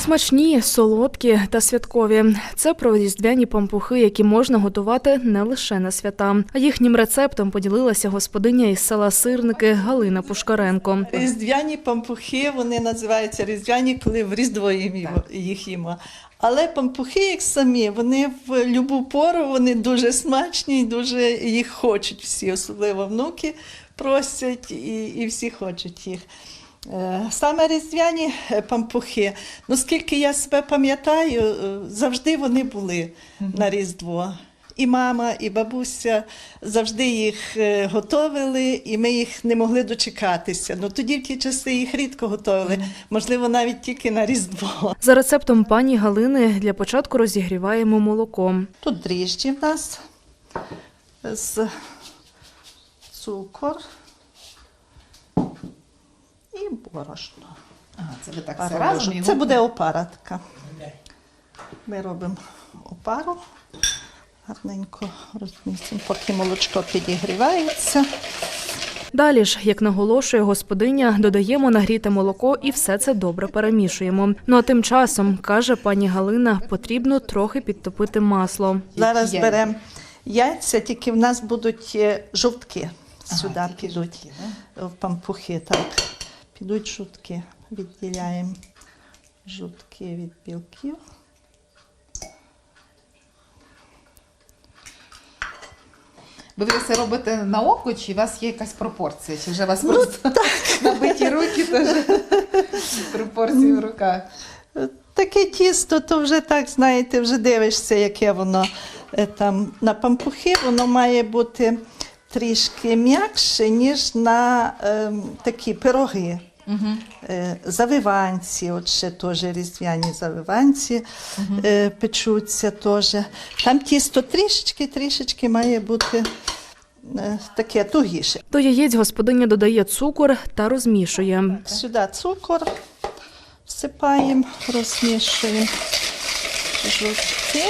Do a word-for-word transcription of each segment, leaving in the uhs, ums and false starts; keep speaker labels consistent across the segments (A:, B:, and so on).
A: Смачні, солодкі та святкові – це про різдвяні пампухи, які можна готувати не лише на свята. А їхнім рецептом поділилася господиня із села Сирники Галина Пушкаренко.
B: Різдвяні пампухи, вони називаються різдвяні, коли в Різдво їх їмо. Але пампухи, як самі, вони в любу пору, вони дуже смачні, дуже їх хочуть всі, особливо внуки просять і, і всі хочуть їх. Саме різдвяні пампухи, ну скільки я себе пам'ятаю, завжди вони були на Різдво. І мама, і бабуся завжди їх готовили, і ми їх не могли дочекатися. Ну тоді в ті часи їх рідко готовили, можливо, навіть тільки на Різдво.
A: За рецептом пані Галини для початку розігріваємо молоко.
B: Тут дріжджі в нас з цукор і борошно.
C: Ага, це ви так все разом його...
B: Це буде опара така. Ми робимо опару, гарненько розмістимо, поки молочко підігрівається.
A: Далі ж, як наголошує господиня, додаємо нагріте молоко і все це добре перемішуємо. Ну а тим часом, каже пані Галина, потрібно трохи підтопити масло.
B: Зараз беремо яйця, тільки в нас будуть жовтки. Сюди ага, підуть жовтки, да? В пампухи, так. Підуть жовтки, відділяємо жовтки від білків.
C: Ви все робите на око, чи у вас є якась пропорція? Чи вже у вас ну, просто набиті руки, теж пропорції в руках?
B: Таке тісто, то вже так, знаєте, вже дивишся, яке воно там на пампухи, воно має бути трішки м'якше, ніж на е, такі пироги. Угу. Е, завиванці, от ще теж різдвяні завиванці угу. е, печуться теж. Там тісто трішечки-трішечки має бути е, таке тугіше.
A: До яєць господиня додає цукор та розмішує.
B: Сюди цукор всипаємо, розмішуємо жовтки.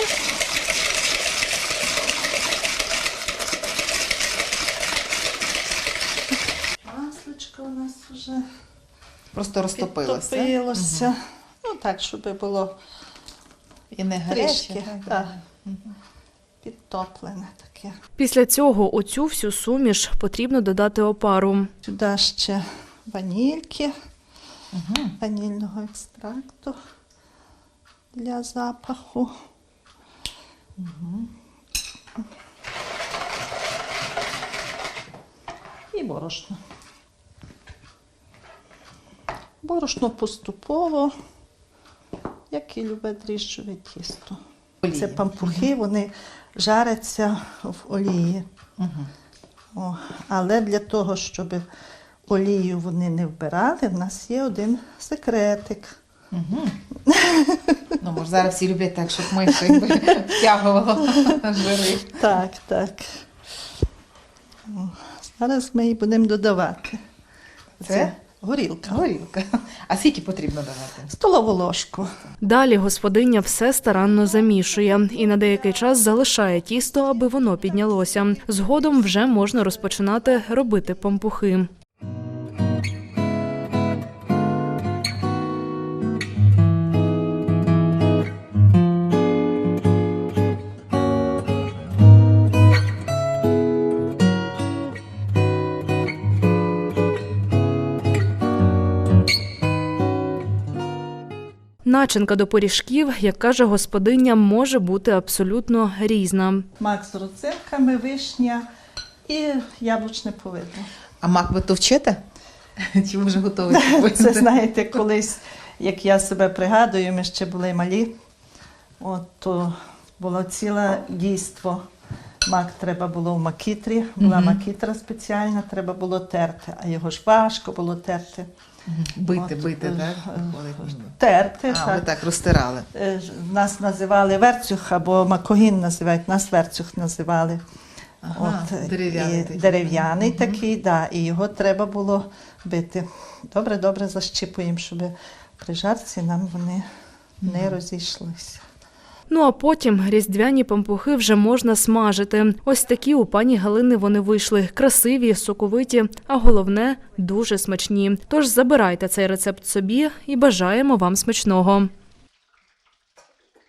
B: Масличко у нас вже
C: просто розтопилося.
B: Підтопилося. Угу. Ну так, щоб було
C: і не гаряче.
B: Так. Угу. Підтоплене таке.
A: Після цього у цю всю суміш потрібно додати опару.
B: Сюди ще ванільки, угу. ванільного екстракту для запаху. Угу. І борошно. Борошно поступово, як і любе дріжджове тісто. Олії. Це пампухи, вони жаряться в олії. Угу. О, але для того, щоб олію вони не вбирали, в нас є один секретик.
C: Угу. Ну, може, зараз всі люблять так, щоб ми ще втягувало жири.
B: Так, так. Зараз ми її будемо додавати.
C: Це?
B: Це горілка.
C: Горілка. А скільки потрібно давати?
B: Столову ложку.
A: Далі господиня все старанно замішує і на деякий час залишає тісто, аби воно піднялося. Згодом вже можна розпочинати робити пампухи. Начинка до пиріжків, як каже господиня, може бути абсолютно різна.
B: Мак з родзинками, вишня і яблучне повидло.
C: А мак ви товчете? Чи ви вже готові?
B: Це, знаєте, колись, як я себе пригадую, ми ще були малі, от, то було ціле дійство. Мак треба було в макітрі, була mm-hmm. макітра спеціальна, треба було терти, а його ж важко було терти.
C: Бити, От, бити, так?
B: Терти,
C: а,
B: так.
C: ви так розтирали.
B: Нас називали верцюх, або макогін називають, нас верцюх називали.
C: Ага,
B: От,
C: дерев'яний такий.
B: Дерев'яний угу. такий, да, і його треба було бити. Добре-добре защіпуємо, щоб при жарці нам вони угу. не розійшлися.
A: Ну а потім різдвяні пампухи вже можна смажити. Ось такі у пані Галини вони вийшли. Красиві, соковиті, а головне – дуже смачні. Тож забирайте цей рецепт собі і бажаємо вам смачного.